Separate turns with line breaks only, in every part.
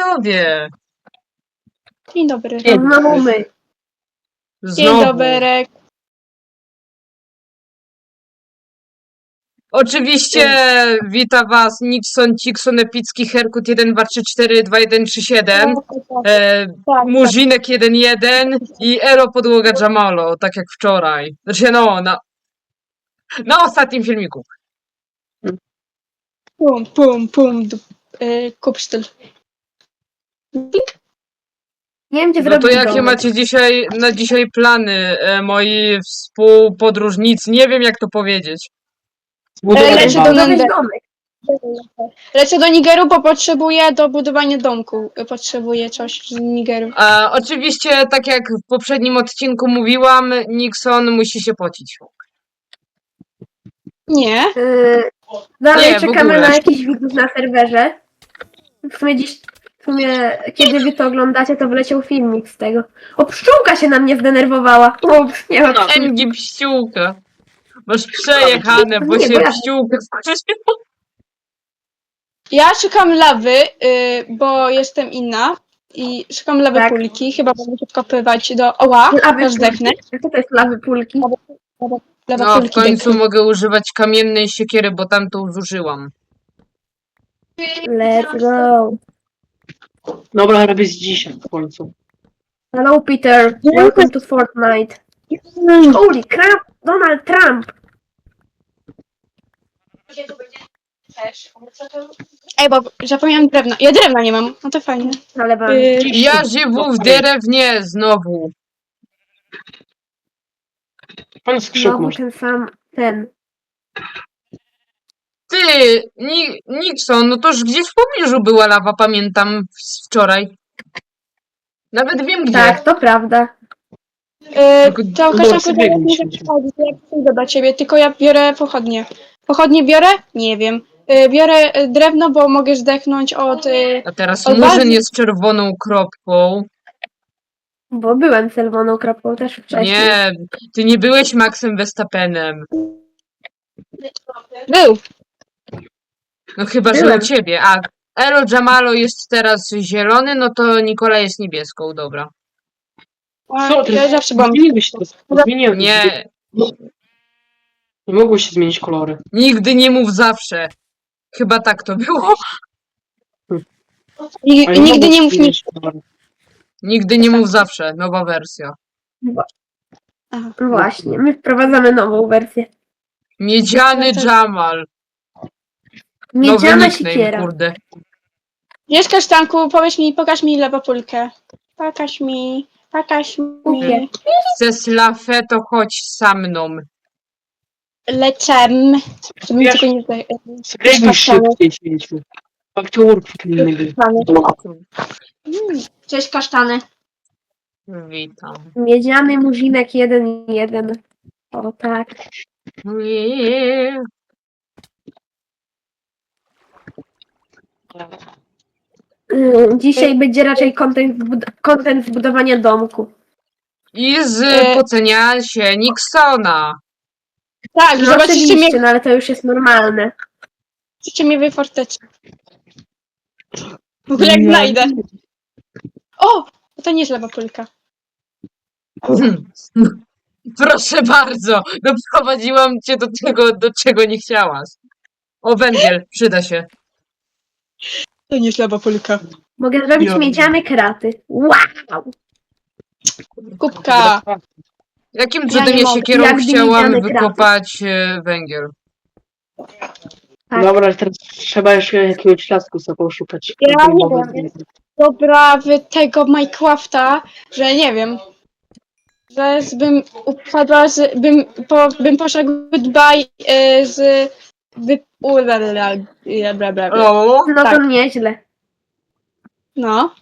panowie!
Dzień dobry.
Znowu my.
Dzień
Znowu.
dobry.
Oczywiście wita was Nixon, Cikson, Epicki, Herkut 1, 2, 3, 4, 2, 1, 3, 7,
Tak.
Murzinek 1, 1 i Ero Podłoga Jamalo, tak jak wczoraj. Znaczy na ostatnim filmiku.
Pum. Kupsztyl.
Nie wiem, gdzie
No to
zrobić
jakie
domek.
macie na dzisiaj plany, moi współpodróżnicy? Nie wiem jak to powiedzieć.
Lecę do
Zrobić
Nender.
domek.
Lecę do Nigeru, bo potrzebuję do budowania domku. Potrzebuję coś z Nigeru.
Oczywiście, tak jak w poprzednim odcinku mówiłam, Nixon musi się pocić.
Nie.
Dalej
Nie, w
czekamy
ogóle.
na jakiś widzów na serwerze. W sumie, kiedy wy to oglądacie, to wleciał filmik z tego. O, pszczółka się na mnie zdenerwowała. Ups, nie ma pszczółki.
Engi pściółka. Masz przejechane, bo
Nie,
się
bo ja-
pściółka skrzyżyła.
Ja szukam lawy, bo jestem inna. I szukam lawy
Tak.
pulki. Chyba będę się wkopywać do... Oła,
Lawy
aż zdechnę.
pulki. Co to jest lawy pulki?
Lawa
No, w
pulki
końcu
deknę.
mogę używać kamiennej siekiery, bo tamtą zużyłam.
Let's go.
Dobra, robię z dzisiaj w końcu.
Hello Peter, welcome to Fortnite. Holy crap, Donald Trump.
Ej, bo zapomniałam drewna. Ja drewna nie mam. No to fajnie.
Ale wam.
Ja żywu w drewnie znowu.
Pan skrzyk
Znowu
masz.
ten sam, ten.
Ty, Nixon, no toż gdzieś w pobliżu była lawa, pamiętam wczoraj. Nawet wiem gdzie.
Tak, to prawda.
To
Dobra,
Kaszanku,
sobie
ja nie
mieliśmy.
przychodzi, ja przyjdę do ciebie, tylko ja biorę pochodnie. Pochodnie biorę? Nie wiem. Biorę drewno, bo mogę zdechnąć od...
A teraz
Od
Murzyn
bazy-
jest czerwoną kropką.
Bo byłem czerwoną kropką też wcześniej.
Nie, ty nie byłeś Maxem Verstappenem.
Był.
No chyba, że
Byłem.
u ciebie. A Ero Jamalo jest teraz zielony, no to Nikola jest niebieską, dobra.
Co ty?
Ja zawsze byłam...
Zmieniłeś to. Zmieniłem.
Nie,
Nie mogło się zmienić kolory.
nigdy nie mów zawsze. Chyba tak to było.
Ale
Nigdy
mogło
nie
się
mów mi...
zmienić kolory.
Nigdy nie mów zawsze. Nowa wersja.
Właśnie, my wprowadzamy nową wersję.
Miedziany Jamal. Nowy
Miedziana
nickname,
siekiera.
kurde.
Wiesz, Kasztanku, powiedz mi, pokaż mi lewopulkę. Pokaż mi.
Kupię.
Chcesz lafę, to chodź za mną.
Lecę. Żebym
Wiesz-
tylko nie zdaj...
Skryjmy szybciej święciu. Aktorów innego.
Cześć, kasztany.
Witam.
Miedziany murzinek 1-1. O tak. Dzisiaj będzie raczej content z budowania domku.
I z
E-
pocenia się Nixona.
Tak,
No
zobaczycie
oczywiście,
mnie,
no ale to już jest normalne.
w fortece. W ogóle jak znajdę. O! To nie jest lewopulka.
Proszę bardzo, doprowadziłam cię do tego, do czego nie chciałaś. O, węgiel, przyda się.
To nie jest lewopulka.
Mogę zrobić
Ja-
miedziane kraty. Wow!
Kubka.
Jakim
Ja
cudem
nie
ja
mogę.
siekierą
Jakby
chciałam
miedziane
wykopać węgiel?
Tak.
Dobra, ale teraz trzeba jeszcze jakiegoś lasku sobie poszukać.
Ja nie wiem. Dobra w tego Minecrafta, że nie wiem. Że bym upadła bym poszła goodbye z... Bla, bla, bla.
O,
No
Tak.
to nieźle.
No.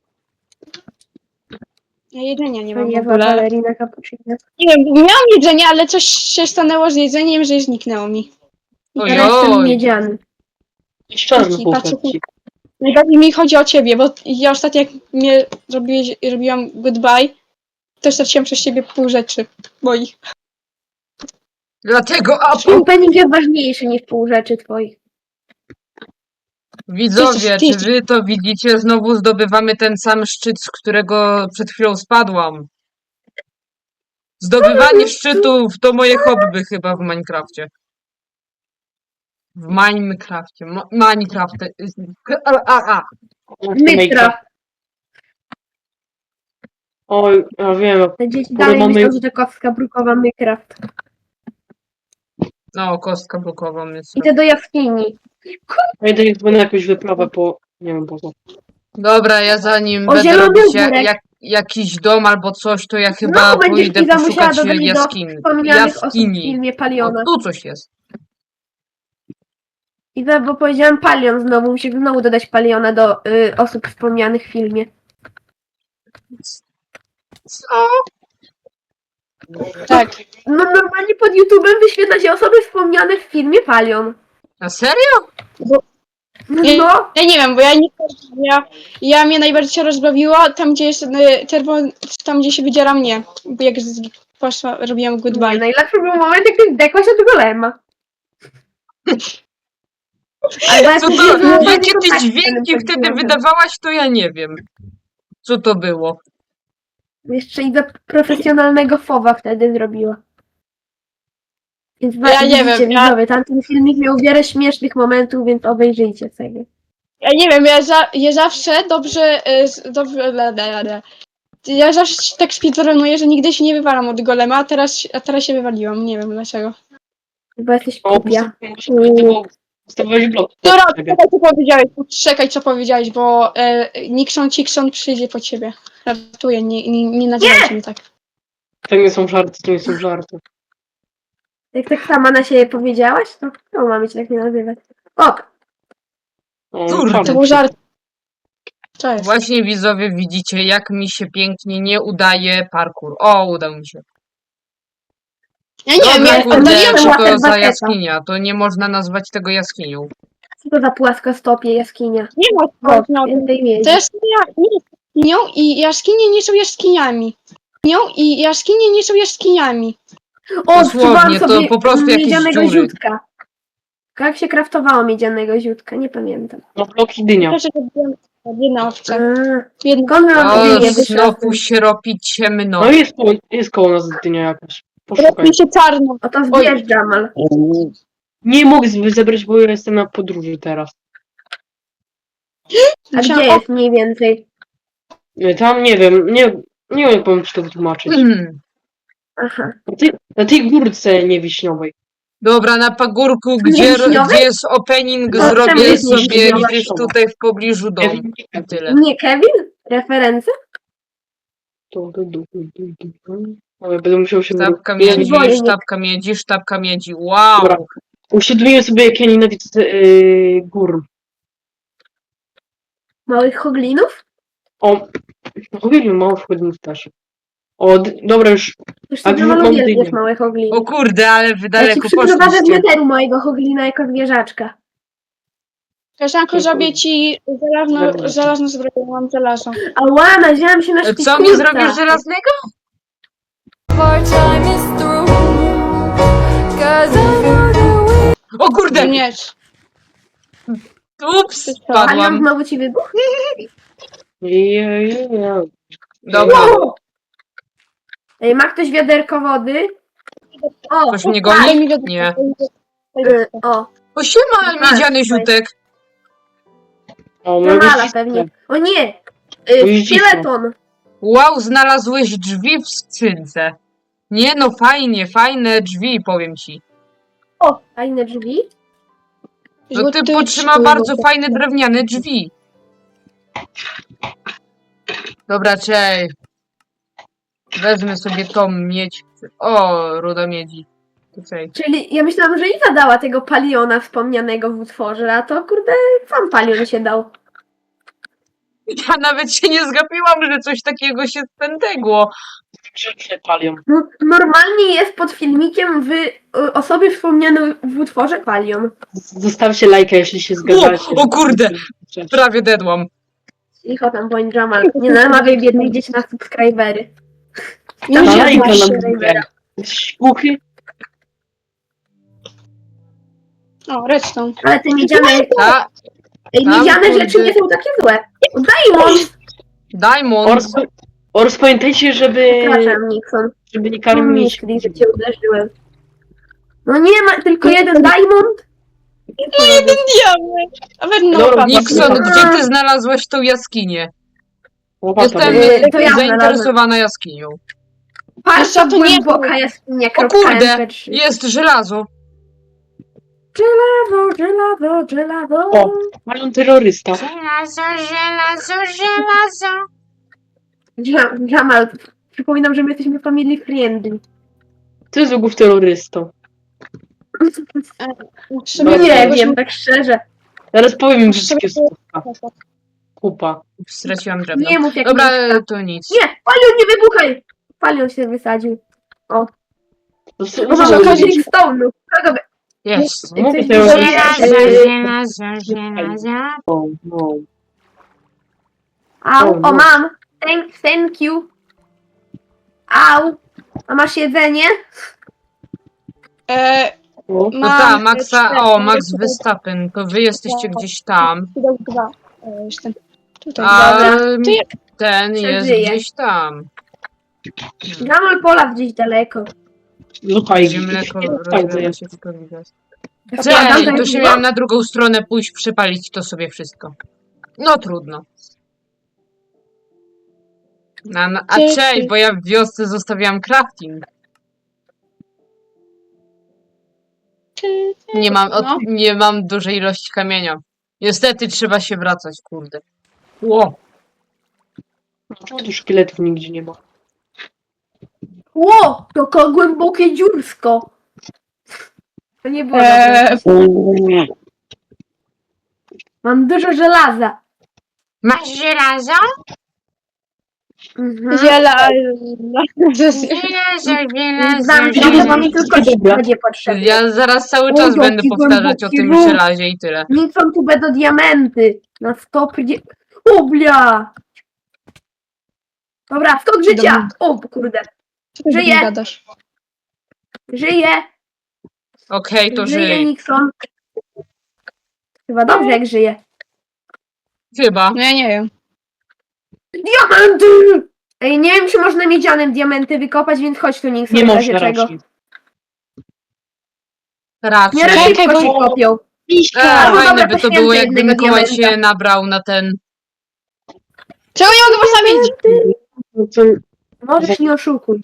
Ja jedzenia nie mam w
Ponieważ
ogóle.
balerina cappuccino.
Nie wiem, miałam jedzenie, ale coś się stanęło z jedzeniem, że zniknęło mi.
I teraz jestem
ojoj.
miedziany.
Czarny
Patrzę,
półkrecik.
najbardziej mi chodzi o ciebie, bo ja ostatnio jak mnie robiłam goodbye, to straciłam przez ciebie pół rzeczy moich.
Dlatego, a
Opening jest ważniejszy niż pół rzeczy twoich.
Widzowie,
Ty-
czy wy to widzicie? Znowu zdobywamy ten sam szczyt, z którego przed chwilą spadłam. Zdobywanie szczytów to moje hobby chyba w Minecrafcie. W Minecrafcie. Minecrafcie. A.
Mytra.
Oj, ja wiem.
Te dzieci
Bo
dalej
mamy-
myślą, że to kostka brukowa Minecraft.
No, kostka blokowa jest.
Idę do jaskini.
Ja idę chyba na jakąś wyprawę po... Nie wiem po co.
Dobra, ja zanim
O,
będę
zielony
robić
ogórek.
jakiś dom albo coś, to ja chyba
Znowu będziesz
pójdę
Iza musiała
poszukać
dodać do
jaskini.
wspomnianych osób w
Jaskini.
filmie
O,
Paliona.
tu coś jest.
Iza, bo powiedziałam Palion znowu, musi znowu dodać Paliona do osób wspomnianych w filmie.
Co?
Tak.
No normalnie pod YouTube'em wyświetla się osoby wspomniane w filmie Palion.
Na serio?
No,
Ja nie wiem, bo ja mnie najbardziej się rozbawiło tam, gdzie jest tam, gdzie się wydziera mnie. Bo jak poszła, robiłam
nie,
goodbye.
najlepszy był moment, jak ty zdekłaś od golema. Albo jak
Co
mówię,
to,
że mam
jakie
fajny
ty
kontakt z
dźwięki
tym
wtedy
personażem.
wydawałaś, to ja nie wiem. Co to było?
Jeszcze Iza profesjonalnego fowa wtedy zrobiła. Więc
Ja nie
widzicie,
wiem,
widzowie, tamten filmik miał wiele śmiesznych momentów, więc obejrzyjcie sobie.
Ja nie wiem, ja zawsze dobrze, ja zawsze tak speedrunuję, że nigdy się nie wywalam od golema, a teraz się wywaliłam, nie wiem dlaczego.
Bo jesteś
O,
kupia.
postawowałeś blok.
Dobra, czekaj co powiedziałeś, bo Nixon przyjdzie po ciebie. Ratuję, nie nazywajcie mnie tak.
To nie są żarty, to nie są żarty.
Jak tak sama na siebie powiedziałaś, to mamy cię tak nie nazywać. Ok.
O,
Kurde,
żarty.
To był żart. Co jest?
Właśnie widzowie widzicie, jak mi się pięknie nie udaje parkour. O, udał mi się.
Ja nie wiem,
Dobra,
ja
kurde,
oddaliłam
co to
łapę
za
baketa.
jaskinia? To nie można nazwać tego jaskinią.
Co to za płaskostopie jaskinia?
nie ma
O,
no,
więcej miedzi.
to jaskinia nie jest jaskinią i jaskinie nie są jaskiniami. I jaskinie nie są jaskiniami.
O,
Dosłownie,
odczuwałam
to
sobie
po prostu jakieś
miedzianego
dziury.
ziutka. Jak się kraftowało miedzianego ziutka? Nie pamiętam.
No bloki dynia.
Proszę, jedna owca.
A,
Jedna.
skąd mam
O,
dynię?
snopu się robi ciemno.
No jest koło nas dynia jakaś. Poszukaj.
Robi się czarno.
O to zbierz, Jamal.
Nie mogę zebrać, bo ja jestem na podróży teraz.
A gdzie jest mniej więcej?
Tam nie wiem, nie wiem jak powiem ci to wytłumaczyć.
Aha.
Na tej górce niewiśniowej.
Dobra, na pagórku,
Wiśniowej?
gdzie jest opening,
No, czemu
zrobię
jest
sobie
wiśniowa?
gdzieś tutaj w pobliżu domu. I tyle.
Nie Kevin? Referencje?
Ale będę musiał się
Sztabka
wyrobić.
miedzi,
boję, nie.
sztabka miedzi, sztabka miedzi. Wow!
Dobra. Uświadomiłem sobie, jak ja nienawidzę gór.
Małych hoglinów?
O, uwielbiam mało wchodników też. O, dobra już.
Już
A
sobie
drugą
Jamal
dynię.
uwielbiasz małe
O
hogliny.
kurde, ale wy
Ja ci
daleko
przyprowadzę w
poszliście.
neteru mojego hoglina jako zwierzaczka.
Koleżanko, zrobię ci żelazną zbroję, mam żelazo.
Ała, nazięłam się na
Co
szpikulca.
mi zrobisz żelaznego?
Our time is through. 'Cause I know that we
O kurde!
Nie.
Ups,
Palion
spadłam.
znowu ci wybuchł?
Dobra,
Wow! Ej, ma ktoś wiaderko wody? O,
ktoś mnie
Daj
goni?
mi do-
Nie.
o,
O siema, miedziany ziutek.
O,
Jamala pewnie. O nie! Szkieleton!
Wow, znalazłeś drzwi w skrzynce. Nie no, fajne drzwi, powiem ci.
O, fajne drzwi.
No ty
Żółty
potrzyma
czółek.
bardzo fajne drewniane drzwi. Dobra, czej. Wezmę sobie tą miedź. O, ruda miedzi. Tutaj.
Czyli ja myślałam, że Iza dała tego paliona wspomnianego w utworze, a to kurde sam palion się dał.
Ja nawet się nie zgapiłam, że coś takiego się spętegło.
Palion.
No, normalnie jest pod filmikiem osoby wspomniane w utworze palion.
Zostawcie lajka, jeśli się zgadzacie.
O kurde! Prawie dedłam.
Cicho tam bądź Jamal. Nie namawiaj biednych dzieci na subskrybery.
Nie
Tam
Na
się
wiem,
lajka
masz
nam
subskrybera.
Szpuchy.
O, redstone.
Ale te miedziane...
A,
Ej,
Tam,
miedziane
kurde.
rzeczy nie są takie złe. Diamond!
Diamond.
Ors, pamiętajcie,
Przepraszam, Nixon.
żeby nie
Mam
karmić.
myśli, że cię uderzyłem. No nie ma, tylko jeden diamond?
No jeden diament. A weź no,
Dobra,
papa.
Nixon,
Dobra.
gdzie ty znalazłeś tą jaskinię?
Łopata
Jestem
będzie.
To ja
zainteresowana jaskinią.
Patrz,
Jeszcze
to
to nie
głęboka jaskinia.
O kurde,
MP3.
jest żelazo.
Żelazo.
O, mają terrorysta.
Żelazo.
Jamal, przypominam, że my jesteśmy family friendly.
Ty z ogół terrorystą.
Sobie
Nie
czegoś
wiem, tak szczerze.
Zaraz powiem im
Muszę
wszystkie
sobie-
słówka. Kupa.
Straciłam drewno.
Nie mów jak
Dobra,
mieszka.
to nic.
Nie, Palion, nie wybuchaj! Palion się wysadził.
To
Bo mam
Może
okazję
okazji-
stone'u. Kogo by...
Jest.
Mówię
Coś
terrorysta.
Żelazo.
No.
Au,
O, no.
o mam. Thank you. Au. A masz jedzenie?
E,
O.
No ta, Maxa,
cztery,
o, Max
cztery,
Verstappen, to wy jesteście gdzieś tam,
dwa. Jestem tutaj.
a
Dobra.
To ja-
ten jest
Przeżyję.
gdzieś tam.
Jamal pola gdzieś daleko.
Słuchaj,
Gdzie mleko
tak,
rozlewa się w korytarz.
Ja
Cześć,
dam
to się
tak-
miałam na drugą stronę pójść, przepalić to sobie wszystko. No trudno. A cześć, bo ja w wiosce zostawiałam crafting.
No.
Nie mam dużej ilości kamienia. Niestety trzeba się wracać, kurde. Ło,
Czemu tu szkieletów nigdzie nie ma?
Ło, to głębokie dziursko. To nie było dobre. Mam dużo żelaza.
masz żelazo?
Mhm. Znam, że to mi tylko będzie potrzebne.
Ja zaraz cały
O,
czas
jaki
będę powtarzać o
głęboki
tym
ruch.
żelazie i tyle.
Nixon tu będą diamenty. Na 100. Ublia! Dobra, 100 życia! O kurde. Żyję.
Gadasz.
Żyję.
Okej, to
Żyje
żyj.
Nixon. Chyba dobrze jak żyje.
Chyba.
No ja nie wiem.
Diamenty! Ej, nie wiem, czy można miedzianym diamenty wykopać, więc chodź tu Nixon.
Nie
w razie
można
czego.
raczej.
Raczej.
W miarę
Czekaj,
szybko
bo-
się kopią.
Fajne
dobra,
by to
poświęcę
było, jakby
jednego
Mikołaj
diamenta.
się nabrał na ten...
Czego nie mogę postawić?
No co?
Możesz nie oszukuj.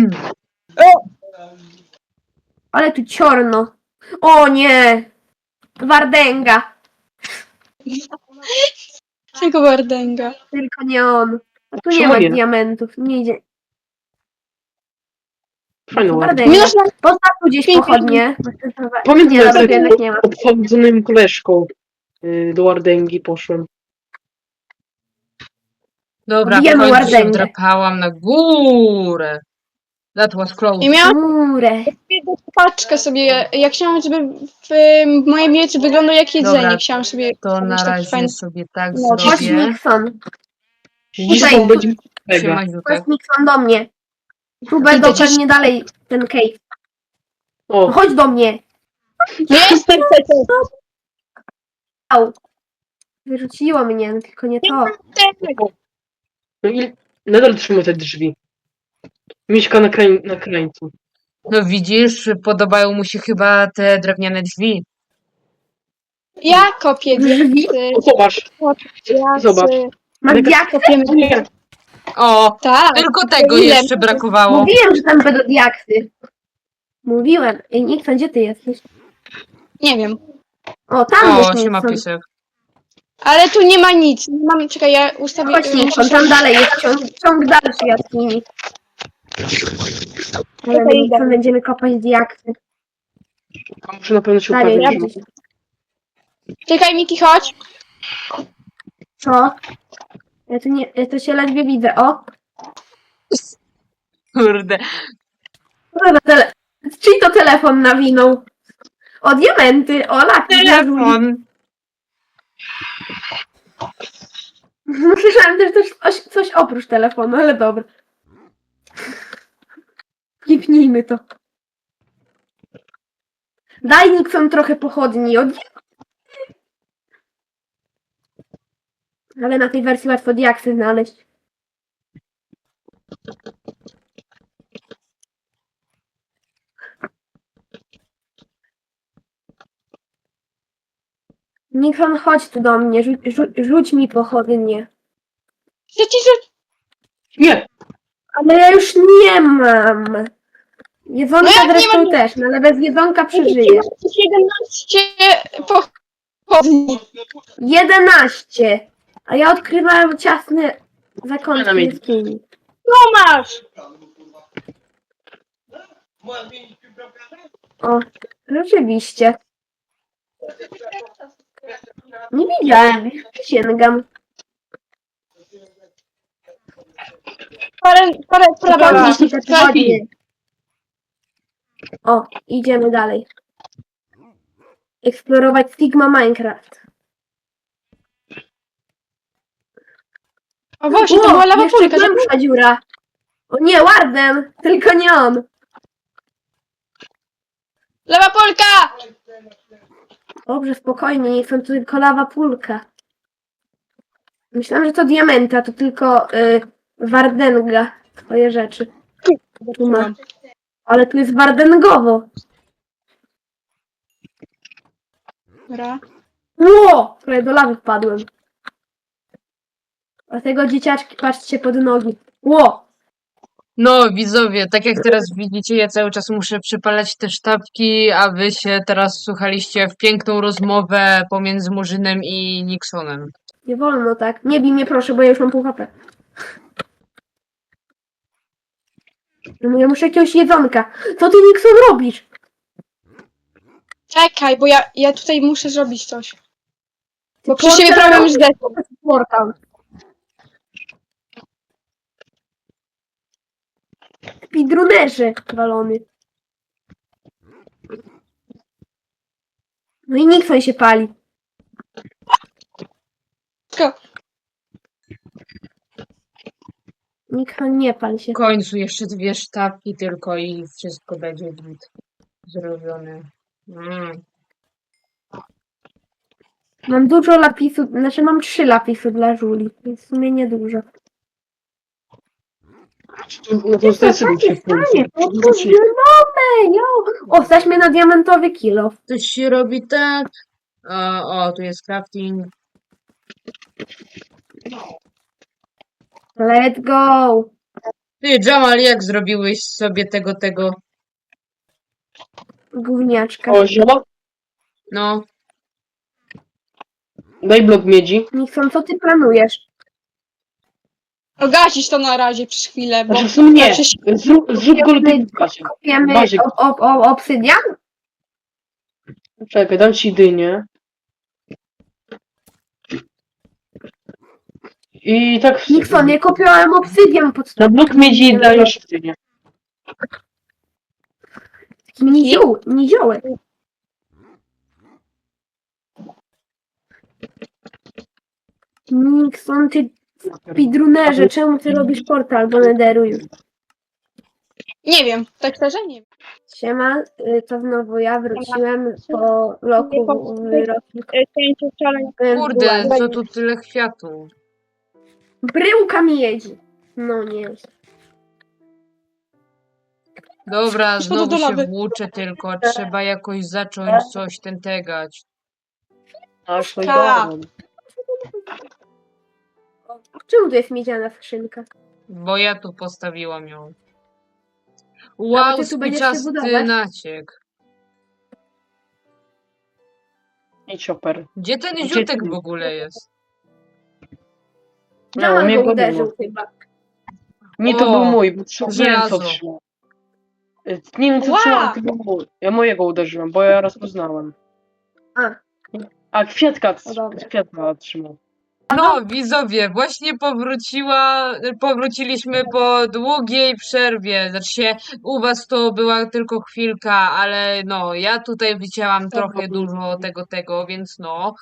Ale tu ciorno. O nie! Wardęga.
Czego Wardęga?
Tylko nie on. A tu nie
Czemu
ma
nie?
diamentów. Nie idzie.
Fajne ładne.
Wardęga.
Minus na...
Postaw tu gdzieś pochodnie.
Pamiętam,
Nie,
jak
dobra, jednak nie ma.
odchodzonym koleżką do Wardęgi poszłem.
Dobra, w
Bijemy
końcu się
Wardęgę.
wdrapałam na górę. That was close.
I miałam
Murę.
paczkę sobie, ja chciałam, żeby moje miecze wyglądały jak jedzenie.
Dobra,
Chciałam sobie
To na
zrobić taki
razie
fajny...
sobie tak
No,
Chodź
zrobię.
Nixon.
Dziś
Tutaj.
to będzie mega.
Siema,
Chodź
Ziutek.
Nixon do mnie. Tu będą pewnie dalej ten cave. No
O,
chodź do mnie.
Nie jestem
Au. Wyrzuciło mnie, no tylko nie to.
no i nadal trzymaj te drzwi. Mieszka na krańcu.
No widzisz, podobają mu się chyba te drewniane drzwi.
Ja kopię
Drzwi?
diaksy.
O, zobacz. Zobacz.
Masz
Mega-
diaksy?
Kopiemy.
Nie,
O,
Tak.
tylko tego
Ile?
jeszcze brakowało.
Mówiłem, że tam będą diaksy. Mówiłem. Ej, Nixon, gdzie ty jesteś?
Nie wiem.
O, tam
O,
jest
siema
Nixon.
piesek.
Ale tu nie ma nic. Nie mam, czekaj, ja ustawię...
Chodź Nixon, tam dalej jest ciąg dalszy jaskini. Ale my Nixon będziemy kopać diaksy.
a muszę na pewno się
Dalej,
upewnić.
ja...
Czekaj, Miki, chodź.
Co? Ja to się ledwie widzę. O!
Kurde.
Czyj to telefon nawinął? O, diamenty! O, laki!
Telefon.
Słyszałem też coś oprócz telefonu, ale dobra. Kipnijmy to. Daj Nixon trochę pochodni. Ale na tej wersji łatwo diaksy znaleźć. Nixon, chodź tu do mnie, rzuć mi pochodnie.
Chcę ci rzucić.
Nie!
Ale ja już nie mam. Jedzonka
No jak nie
zresztą
mam?
też, no ale bez jedzonka przeżyję.
17 pochodni.
11! A ja odkrywałem ciasne zakątki
Dynamit.
jaskini.
No masz.
O, rzeczywiście. Nie widziałem, przysięgam.
Parę
Dobra,
prawa.
te pochodnie. O, idziemy dalej. Eksplorować Sigma Minecraft.
O właśnie, to była lawa
jeszcze
pulka.
głębsza dziura. O nie, Warden! Tylko nie on.
Lawa pulka!
Dobrze, spokojnie, nie są to tylko lawa pulka. Myślałam, że to diamenta, to tylko Wardenga. Twoje rzeczy. Tu ma. Ale tu jest Wardengowo.
Dobra.
Ło! Prawie do lawy wpadłem. Dlatego dzieciaczki, patrzcie pod nogi. Ło!
No, widzowie, tak jak teraz widzicie, ja cały czas muszę przypalać te sztabki, a wy się teraz słuchaliście w piękną rozmowę pomiędzy Murzynem i Nixonem.
Nie wolno tak. Nie bij mnie proszę, bo ja już mam pół HP. No ja muszę jakiegoś jedzonka. Co ty, Nixon, robisz?
Czekaj, bo ja tutaj muszę zrobić coś. Bo
Portal
przy siebie prawie już zdechł.
Portal. Speedrunnerzy walony. No i Nixon się pali. Nixon, nie pal się.
W końcu jeszcze 2 sztabki tylko i wszystko będzie git zrobione.
Mam dużo lapisu, znaczy mam 3 lapisy dla Żuli, więc w sumie niedużo.
No to zdecyduj się w końcu.
Zielone, jo! O, stać mnie na diamentowy kilo.
Coś się robi tak. O, tu jest crafting.
Let's go!
Ty, Jamal, jak zrobiłeś sobie tego?
Gówniaczka.
O, zioła?
No,
Daj blok miedzi.
Nixon, co ty planujesz?
Ogasić to na razie przez chwilę, bo...
Znaczy w sumie nie.
Znaczy,
Zrób go lepiej w bazie.
Kopiemy
Bazie.
obsydian?
Czekaj, dam ci dynię. I tak
Nixon, ja kopiałem obsydian pod
na blok miedzi dajesz dynię.
niziołek. Nixon, ty speedrunnerze, czemu ty robisz portal do Netheru już?
nie wiem, tak szczerze nie wiem.
Siema, to znowu ja wróciłem po roku w roku.
kurde, co tu tyle kwiatu?
Bryłka miedzi. No nie.
Dobra,
Szkoda
znowu
do
się
lawy.
włóczę tylko. Trzeba jakoś zacząć coś tegać.
Aż to
Tak.
idealnie.
Czemu tu jest miedziana skrzynka?
Bo ja tu postawiłam ją.
bo
Wow,
ty tu będziesz się
spiczasty
budować?
naciek.
I chopper.
Gdzie ten
Gdzie
ziutek
ty?
w ogóle jest?
No,
Jamal
mnie
go
go
uderzył
było.
chyba.
Nie, to
O,
był mój, bo nie wiem
żelazo.
co trzymał. Nie wiem co
Ła!
trzymał, to był mój. Ja mojego uderzyłem, bo ja rozpoznałem.
A.
A kwiatka,
No dobra.
kwiatka trzymał.
No, widzowie, właśnie powróciliśmy po długiej przerwie. Znaczy się, u was to była tylko chwilka, ale no, ja tutaj widziałam trochę dużo tego, więc no.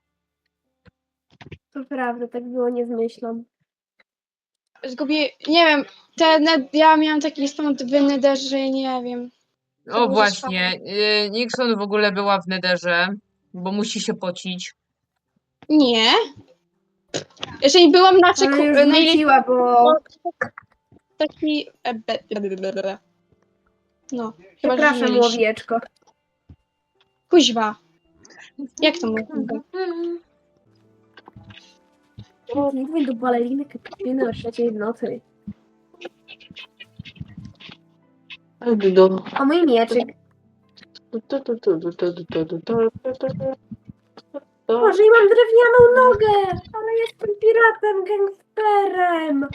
To prawda, tak było, nie zmyślam.
Zgubię, nie wiem, ja miałam taki spawn w Netherze, że ja nie wiem.
O
może
właśnie, Nixon w ogóle była w Netherze, bo musi się pocić.
Nie. Jeżeli byłam na
Ale już
najlepiej
wróciła, bo...
taki... No, chyba, że
Przepraszam,
mylisz.
łowieczko.
Kuźwa. Jak to mówię?
Nigdy do baleriny kapuciny o 3:00 w nocy.
Do...
O mój mieczyk. Boże, i mam drewnianą nogę! Ale jestem piratem, gangsterem!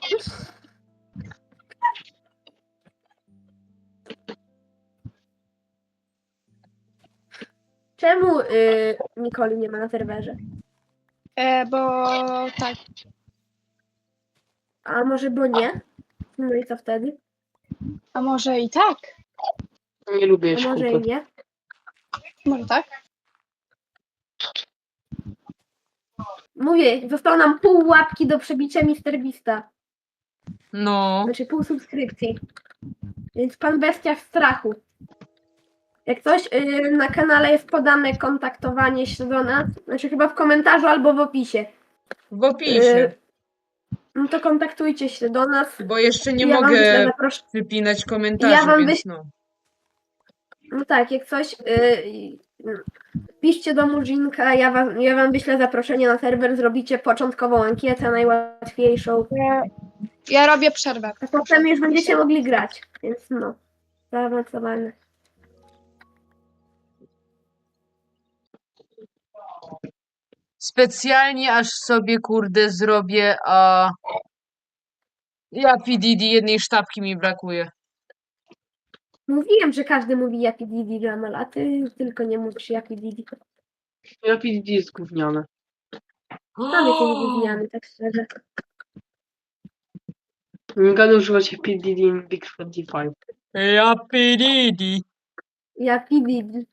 Czemu Nikoli nie ma na serwerze?
Bo tak.
A może bo nie? No i co wtedy?
A może i tak?
Nie lubię
A może i
szkółki.
nie?
Może tak?
Mówię, zostało nam pół łapki do przebicia MrBeasta.
No.
Znaczy pół subskrypcji. Więc pan bestia w strachu. Jak coś, na kanale jest podane kontaktowanie się do nas. Znaczy chyba w komentarzu albo w opisie.
W opisie.
No to kontaktujcie się do nas.
Bo jeszcze nie
Ja wam wyślę
mogę
zapros-
wypinać komentarzy,
Ja wam
więc no.
No tak, jak coś, piszcie do Murzinka, ja wam wyślę zaproszenie na serwer, zrobicie początkową ankietę, najłatwiejszą,
Ja robię przerwę.
a potem już będziecie mogli grać, więc no, zaawansowane.
Specjalnie aż sobie kurde zrobię, a ja PDD jednej sztabki mi brakuje.
Mówiłem, że każdy mówi Yapi Didi Jamal, a ty tylko nie mówisz Yapi Didi.
Ja PDD jest gówniane.
Sam jesteś gówniany, tak szczerze.
Nie gadam używać PDD in Big 25.
Ja PDD.
Yapi Didi.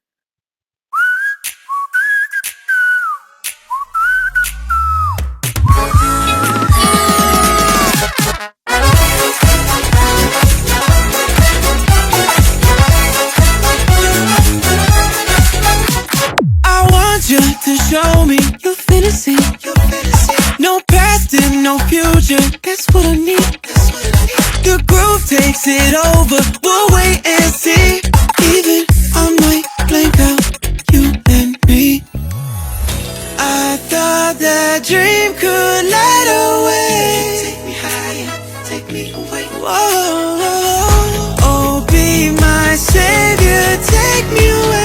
I want you to show me your fantasy. No past and no future, that's what I need. The groove takes it over, we'll wait and see. Even I might blank out, you and me. I thought that dream could light away. Take me higher, take me away. Whoa, oh, be my savior, take me away.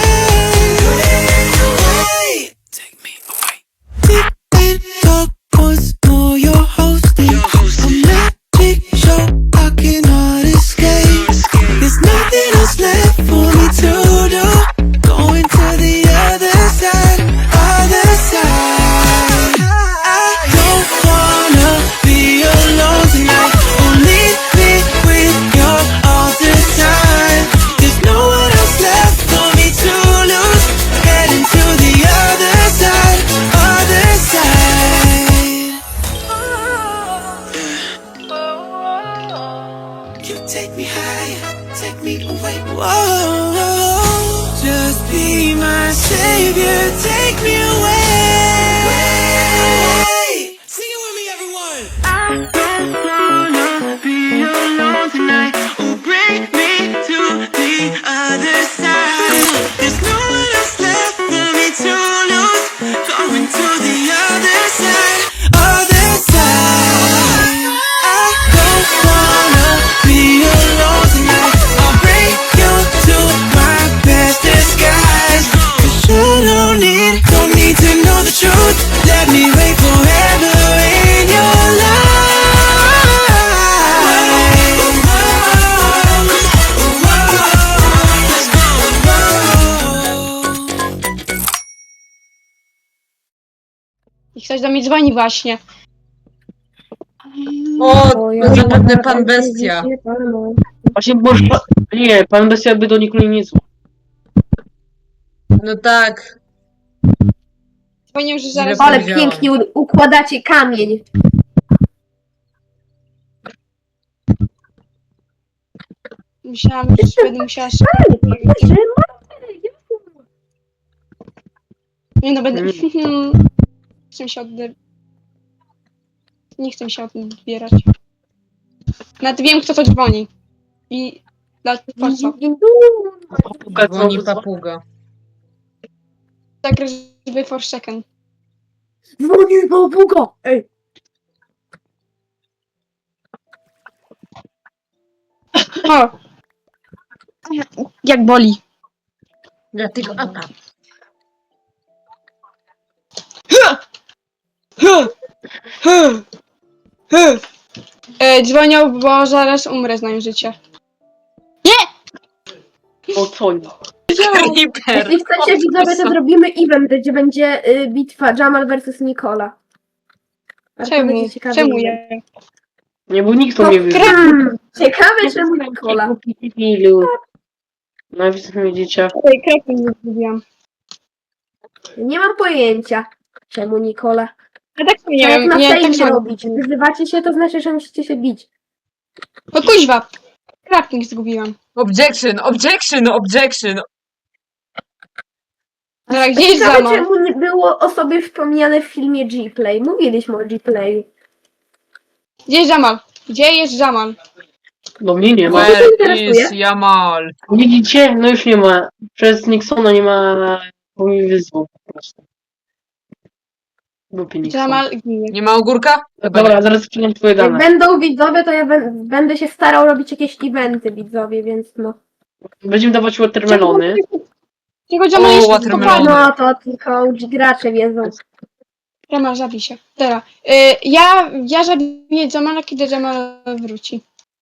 Take me away. Deep in dark once more, you're hosting a magic show I cannot escape. There's nothing else left for me to do. Going to the other side, other side. I don't wanna be alone tonight. Oh, leave me with your all the time. There's no one else left for me to lose. Heading to the other side, other side. You take me higher, take me away. Whoa, just be my savior, take me away. Sing it with me, everyone. I don't wanna be alone tonight. Oh, bring me to the other side. There's no one else left for me to lose. Going to the other side, other side. I don't wanna be alone tonight. I'll bring you to my best disguise. 'Cause you don't need to know the truth. Let me wait forever in your life.
I ktoś do mnie dzwoni właśnie.
O, to zapewne pan bestia.
Właśnie, bo... Nie, pan bestia by do nikogo nie dzwonił.
No tak.
Dzwonił, że zaraz...
Źle
Ale
powiedziałam.
pięknie układacie kamień.
Myślałam, że będę musiała... Nie no, będę... Czym się odda... nie chcę się odbierać. Nawet wiem, kto to dzwoni. I po co?
Dzwoni papuga.
Zagrasz w Forsaken.
Dzwoni papuga! Ej!
O! Jak boli.
Dlatego apa.
Dzwonią, bo zaraz umrę, znając życie.
O co nie?
Creeper.
Jeśli chcecie widzowie, to zrobimy event, gdzie będzie bitwa Jamal versus Nikola. A to
Czemu?
będzie ciekawy
Czemu
event.
ja?
Nie, bo nikt to
To
mnie wyzywa.
Ciekawe, czemu Nikola.
Ilu. No widzicie.
Ej, kropki nie zrobiłam.
Nie mam pojęcia, czemu Nikola.
A tak nie
A jak
wiem,
na
nie, tak
fejmie
samo.
robić? Wyzywacie się, to znaczy, że musicie się bić.
O kuźwa! Crafting zgubiłam.
Objection, objection, objection.
Dobra, gdzie jest
Ciekawe,
Jamal?
czemu nie było o sobie wspomniane w filmie G-Play. Mówiliśmy o G-Playu.
Gdzie jest Jamal? Gdzie jest Jamal?
Do mnie nie ma.
Może-
Where
interesuje?
is Jamal?
Widzicie? No już nie ma. Przez Nixona nie ma. Bo mi wyzwał po prostu. Głupi Nixon.
Jamal ginie.
Nie ma ogórka? Chyba
Dobra,
nie.
zaraz przyjdę twoje
Jak
dane.
będą widzowie, to ja będę się starał robić jakieś eventy widzowie, więc no.
Będziemy dawać watermelony.
Tylko Jamal
O,
jest
watermelony.
kopalny.
No to tylko OG gracze wiedzą.
Jamal, zabij się. Dobra. Ja zabiję Jamala, kiedy Jamal wróci.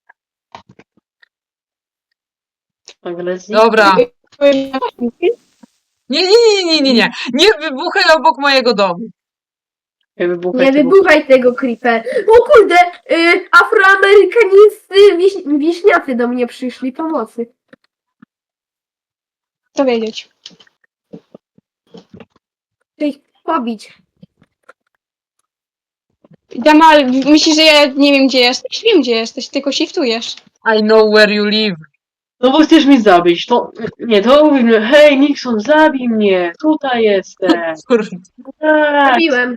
Agresji.
Dobra. Nie, nie, nie, nie, nie, nie. Nie wybuchaj obok mojego domu.
Nie wybuchaj
Nie
tego.
wybuchaj tego creeper. O kurde, afroamerykańscy wieśniacy do mnie przyszli pomocy.
To wiedzieć.
Chcę ich pobić.
Jamal, myślisz, że ja nie wiem, gdzie jesteś? Wiem, gdzie jesteś, tylko shiftujesz.
I know where you live.
No bo chcesz mnie zabić. To nie, to mówimy. Hej, Nixon, zabij mnie. Tutaj jestem.
Kurde.
Tak.
Zabiłem.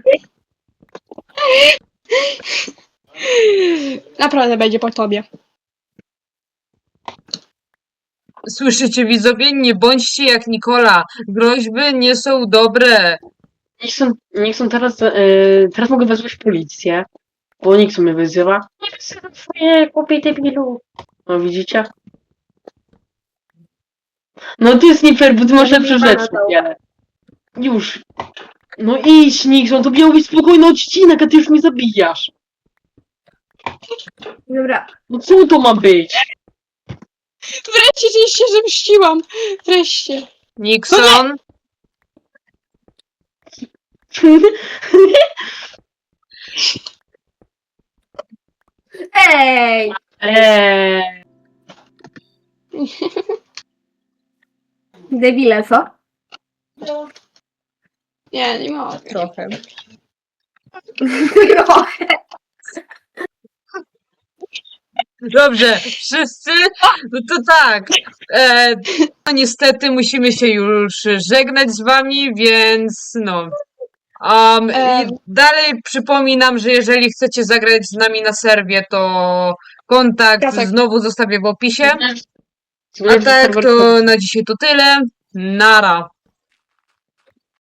Naprawdę będzie po tobie.
Słyszycie widzowie? Nie bądźcie jak Nikola. Groźby nie są dobre.
Nixon teraz mogę wezwać policję. Bo Nixon mnie wyzywa. Nie wyzywam swoje głupie debilu. No widzicie? No to jest nie fair, bo ty masz lepsze rzeczy. Nie. Już. No idź, Nixon, to miał być spokojny odcinek, a ty już mnie zabijasz.
Dobra.
No co to ma być?
Wreszcie się zemściłam. Wreszcie.
Nixon?
Ej!
Eee,
Debile, co?
Nie mogę.
Trochę.
Trochę.
Dobrze, wszyscy? No to tak. No niestety musimy się już żegnać z wami, więc no. I dalej przypominam, że jeżeli chcecie zagrać z nami na serwie, to kontakt
Piasek.
znowu zostawię w opisie. A
Zgodnie z
tak,
serwer-
to na dzisiaj to tyle. Nara.